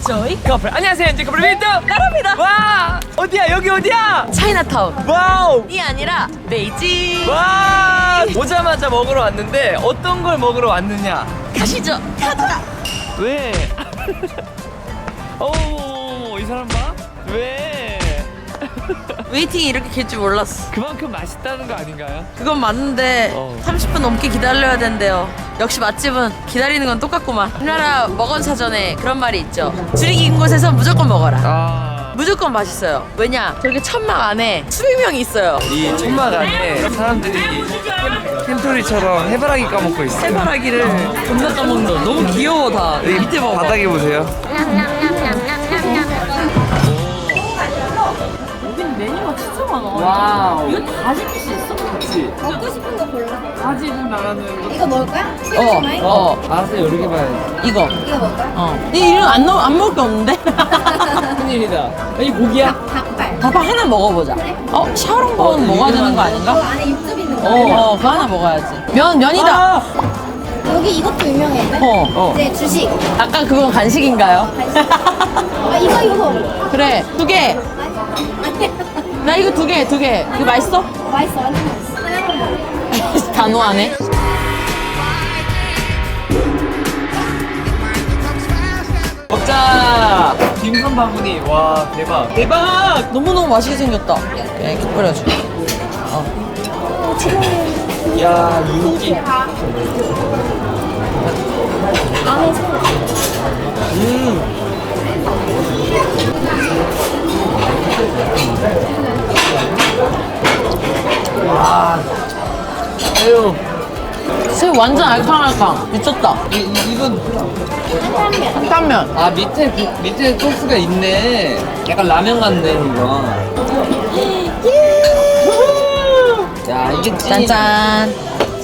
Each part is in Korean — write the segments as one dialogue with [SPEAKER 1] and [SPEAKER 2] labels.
[SPEAKER 1] 조이
[SPEAKER 2] 커플 안녕하세요. 엔지 커플 윈드
[SPEAKER 1] 나랍니다.
[SPEAKER 2] 와 어디야 여기 어디야?
[SPEAKER 1] 차이나타운
[SPEAKER 2] 와우
[SPEAKER 1] 이 아니라 베이징.
[SPEAKER 2] 와 오자마자 먹으러 왔는데 어떤 걸 먹으러 왔느냐?
[SPEAKER 1] 가시죠. 가자.
[SPEAKER 2] 왜? 오이 사람 봐? 왜?
[SPEAKER 1] 웨이팅이 이렇게 길 줄 몰랐어.
[SPEAKER 2] 그만큼 맛있다는 거 아닌가요?
[SPEAKER 1] 그건 맞는데 30분 넘게 기다려야 된대요. 역시 맛집은 기다리는 건 똑같구만. 우리나라 먹은 사전에 그런 말이 있죠. 줄이 긴 곳에서 무조건 먹어라.
[SPEAKER 2] 아.
[SPEAKER 1] 무조건 맛있어요. 왜냐? 저렇게 천막 안에 수백 명이 있어요.
[SPEAKER 2] 이 천막 안에 사람들이 햄토리처럼 해바라기 까먹고 있어.
[SPEAKER 1] 해바라기를 겁나 까먹는다. 너무 귀여워 다.
[SPEAKER 2] 여기
[SPEAKER 1] 밑에 봐봐.
[SPEAKER 2] 바닥에 보세요.
[SPEAKER 1] 여긴 메뉴가 진짜 많아.
[SPEAKER 2] 와우.
[SPEAKER 1] 이거 다 시킬 수 있어?
[SPEAKER 2] 그렇지.
[SPEAKER 3] 먹고 싶은 거 골라.
[SPEAKER 2] 다 집은 나라는.
[SPEAKER 3] 이거 먹을 거야? 스마일?
[SPEAKER 2] 알았어 여러 개 봐야지.
[SPEAKER 1] 이거.
[SPEAKER 3] 이거 먹을 거야?
[SPEAKER 1] 이런 안 먹을 게 없는데?
[SPEAKER 2] 큰일이다. 이 고기야?
[SPEAKER 3] 닭발.
[SPEAKER 1] 닭발 하나 먹어보자. 샤오롱바오는 먹어야 되는 거 아닌가?
[SPEAKER 3] 이거 안에 육즙 있는 거.
[SPEAKER 1] 그거 하나 먹어야지. 면이다.
[SPEAKER 2] 아!
[SPEAKER 3] 여기 이것도 유명해. 이제 주식.
[SPEAKER 1] 아까 그건 간식인가요?
[SPEAKER 3] 이거.
[SPEAKER 1] 그래, 2개.
[SPEAKER 3] 아니야.
[SPEAKER 1] 나 이거 2개. 이거 맛있어?
[SPEAKER 3] 맛있어. 완전 맛있어. 하나만 먹어.
[SPEAKER 1] 단호하네.
[SPEAKER 2] 먹자. 김선 바구니. 와 대박. 대박.
[SPEAKER 1] 너무너무 맛있게 생겼다. 이렇게 뿌려줄게.
[SPEAKER 2] 야 윤기.
[SPEAKER 3] 안에 소.
[SPEAKER 2] 아유.
[SPEAKER 1] 새우 완전 알캉알캉. 미쳤다.
[SPEAKER 2] 이건
[SPEAKER 1] 한탄면.
[SPEAKER 2] 아 밑에 소스가 있네. 약간 라면 같네 이거. 야 이게 찐.
[SPEAKER 1] 짠짠.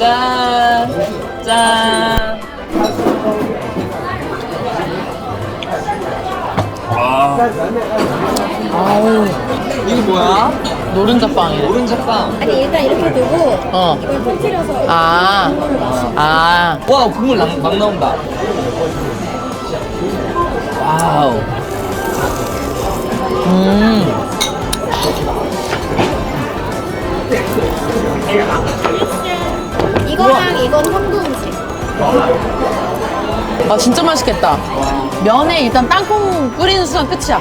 [SPEAKER 2] 짠.
[SPEAKER 1] 아우,
[SPEAKER 2] 이거 뭐야?
[SPEAKER 1] 노른자빵이래.
[SPEAKER 2] 오른자빵.
[SPEAKER 3] 아니 일단 이렇게 두고
[SPEAKER 1] 어.
[SPEAKER 3] 이걸 터뜨려서
[SPEAKER 1] 아.
[SPEAKER 3] 국물을 마셔.
[SPEAKER 1] 아.
[SPEAKER 2] 와 국물 막 나온다. 와우.
[SPEAKER 3] 이거랑 이건 형도 음식.
[SPEAKER 1] 아, 진짜 맛있겠다. 면에 일단 땅콩 뿌리는 순간 끝이야.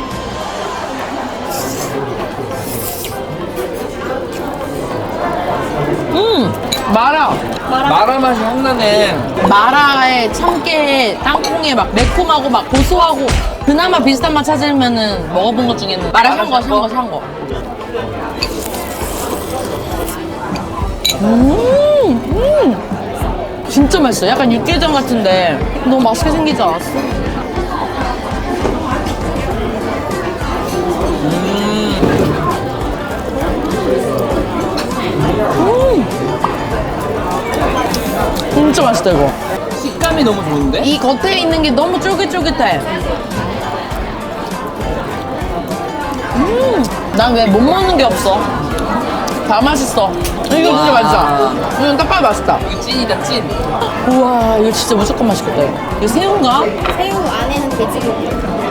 [SPEAKER 1] 마라.
[SPEAKER 2] 마라 맛이 확 나네.
[SPEAKER 1] 마라에 참깨에 땅콩에 막 매콤하고 막 고소하고 그나마 비슷한 맛 찾으면은 먹어본 것 중에는 마라 산 거. 진짜 맛있어. 약간 육개장 같은데 너무 맛있게 생기지 않았어? 진짜 맛있다 이거.
[SPEAKER 2] 식감이 너무 좋은데?
[SPEAKER 1] 이 겉에 있는 게 너무 쫄깃쫄깃해. 난 왜 못 먹는 게 없어? 다 맛있어. 이거 진짜 맛있어. 이건 딱 봐도 맛있다.
[SPEAKER 2] 이거 찐이다 찐.
[SPEAKER 1] 우와, 이거 진짜 무조건 맛있겠다. 이거 새우인가?
[SPEAKER 3] 새우 안에는 돼지고기.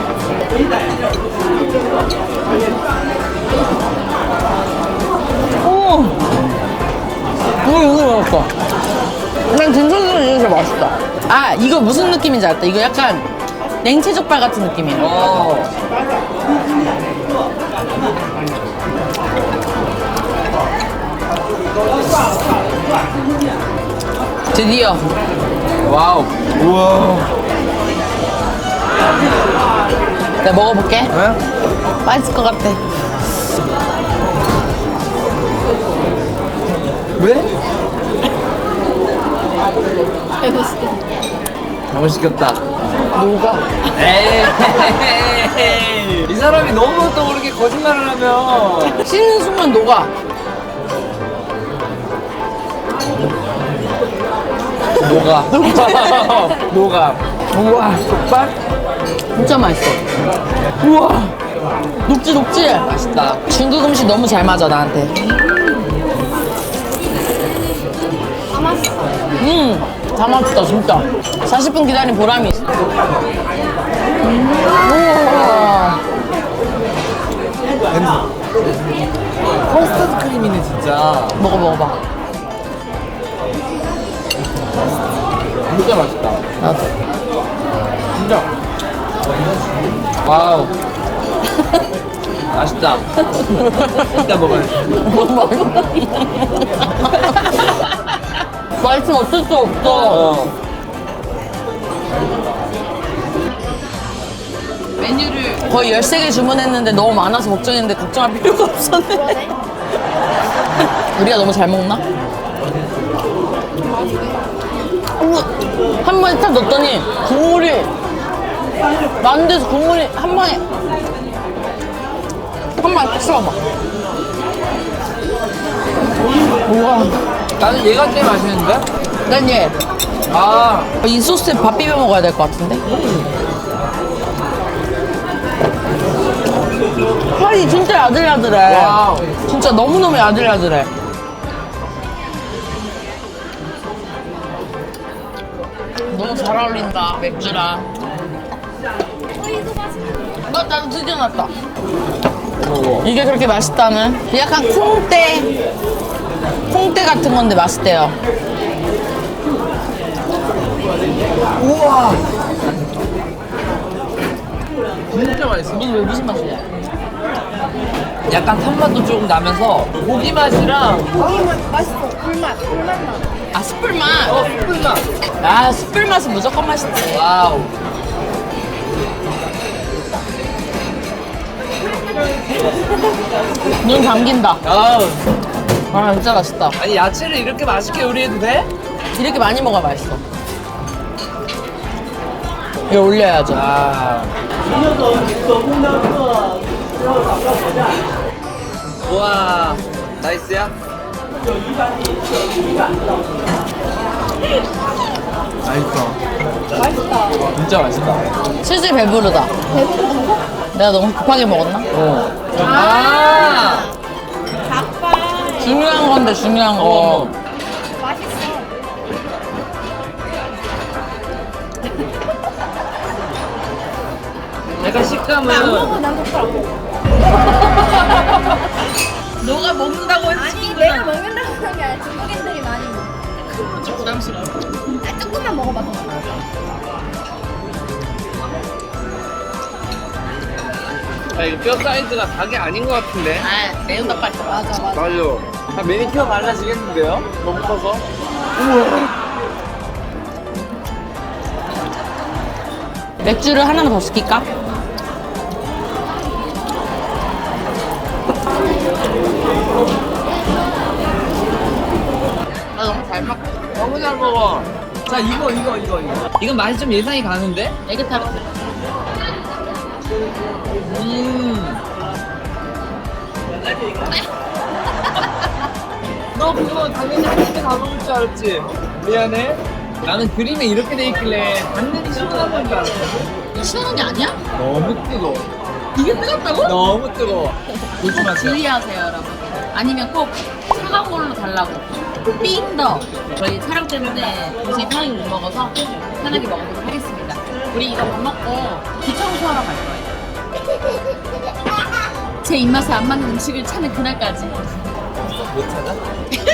[SPEAKER 1] 이거 맛있어. 난 진천수는 이게 제일 맛있다. 아, 이거 무슨 느낌인지 알았다. 이거 약간 냉채족발 같은 느낌이야. 드디어.
[SPEAKER 2] 와우. 우와.
[SPEAKER 1] 내가 먹어볼게.
[SPEAKER 2] 왜?
[SPEAKER 1] 맛있을 것 같아.
[SPEAKER 2] 왜?
[SPEAKER 3] 배고시겠다.
[SPEAKER 2] 잘못 시켰다.
[SPEAKER 1] 뭐가?
[SPEAKER 2] 에이. 이 사람이 너무 또 그렇게 거짓말을 하면.
[SPEAKER 1] 씹는 순간 녹아.
[SPEAKER 2] 녹아. 녹아. 우와, 족발?
[SPEAKER 1] 진짜 맛있어. 우와. 녹지.
[SPEAKER 2] 맛있다.
[SPEAKER 1] 중국 음식 너무 잘 맞아 나한테.
[SPEAKER 3] 다 맛있어.
[SPEAKER 1] 다 맛있다 진짜. 40분 기다린 보람이 있어. 오. 먹어봐.
[SPEAKER 2] 진짜 맛있다.
[SPEAKER 1] 나도.
[SPEAKER 2] 진짜. 와우. 맛있다. 이따 먹어야지.
[SPEAKER 1] 맛있으면 어쩔 수 없어. 메뉴를 거의 13개 주문했는데 너무 많아서 걱정했는데 걱정할 필요가 없었네. 우리가 너무 잘 먹나? 한 번에 탁 넣었더니 국물이 많은 데서 국물이 한 방에 딱 씹어봐. 우와.
[SPEAKER 2] 나는 얘가 제일 맛있는데?
[SPEAKER 1] 난 얘.
[SPEAKER 2] 아.
[SPEAKER 1] 이 소스에 밥 비벼 먹어야 될 것 같은데? 살이 진짜 야들야들해.
[SPEAKER 2] 와우.
[SPEAKER 1] 진짜 너무너무 야들야들해. 너무 잘 어울린다, 맥주랑. 나도 드디어 났다. 이게 그렇게 맛있다는? 약간 콩대 같은 건데 맛있대요.
[SPEAKER 2] 우와. 진짜 맛있어.
[SPEAKER 1] 무슨 맛이야?
[SPEAKER 2] 약간 탄맛도 조금 나면서 고기 맛이랑
[SPEAKER 3] 맛있어. 불맛 나.
[SPEAKER 1] 아, 숯불맛?
[SPEAKER 2] 숯불맛.
[SPEAKER 1] 아, 숯불맛은 무조건 맛있지.
[SPEAKER 2] 와우.
[SPEAKER 1] 눈 감긴다.
[SPEAKER 2] 아우.
[SPEAKER 1] 아, 진짜 맛있다.
[SPEAKER 2] 아니 야채를 이렇게 맛있게 요리해도 돼?
[SPEAKER 1] 이렇게 많이 먹어야 맛있어. 이거 올려야죠.
[SPEAKER 2] 아. 우와. 나이스야? 맛있다. 진짜 맛있다.
[SPEAKER 1] 슬슬 배부르다. 내가 너무 급하게 먹었나?
[SPEAKER 2] 아.
[SPEAKER 1] 중요한 건데, 중요한 거.
[SPEAKER 2] 어.
[SPEAKER 3] 맛있어.
[SPEAKER 2] 약간 식감은
[SPEAKER 3] 안 먹어 난 젓가락.
[SPEAKER 1] 너가 먹는다고
[SPEAKER 3] 아니 내가 먹는다고 그런 게 아니라 중국인들이 많이 먹어.
[SPEAKER 1] 부담스러워.
[SPEAKER 3] 아, 조금만 먹어봐.
[SPEAKER 2] 아, 이거 뼈 사이즈가 닭이 아닌 것 같은데.
[SPEAKER 1] 아, 매운 닭발 좋아.
[SPEAKER 3] 맞아.
[SPEAKER 2] 맞아. 아, 매니큐어 발라지겠는데요? 너무 커서.
[SPEAKER 1] 맥주를 하나만 더 시킬까? 나 너무 잘 먹.
[SPEAKER 2] 너무 잘 먹어. 자, 이거. 이건 맛이 좀 예상이 가는데?
[SPEAKER 1] 에그타르트.
[SPEAKER 2] 너 그거 당연히 한 입에 다 먹을 줄 알았지? 미안해. 나는 그림에 이렇게 돼 있길래 당연히 시원한 건 줄 알았거든.
[SPEAKER 1] 이거 시원한 게 아니야?
[SPEAKER 2] 너무 뜨거워.
[SPEAKER 1] 이게 뜨겁다고?
[SPEAKER 2] 너무 뜨거워. 조심하세요.
[SPEAKER 1] 주의하세요, 여러분. 아니면 꼭 차가운 걸로 달라고. 삥 더. 저희 촬영 때문에 도저히 편하게 못 먹어서 편하게 먹어보도록 하겠습니다. 우리 이거 밥 먹고 귀청소하러 갈 거예요. 제 입맛에 안 맞는 음식을 찾는 그날까지.
[SPEAKER 2] 못 찾아?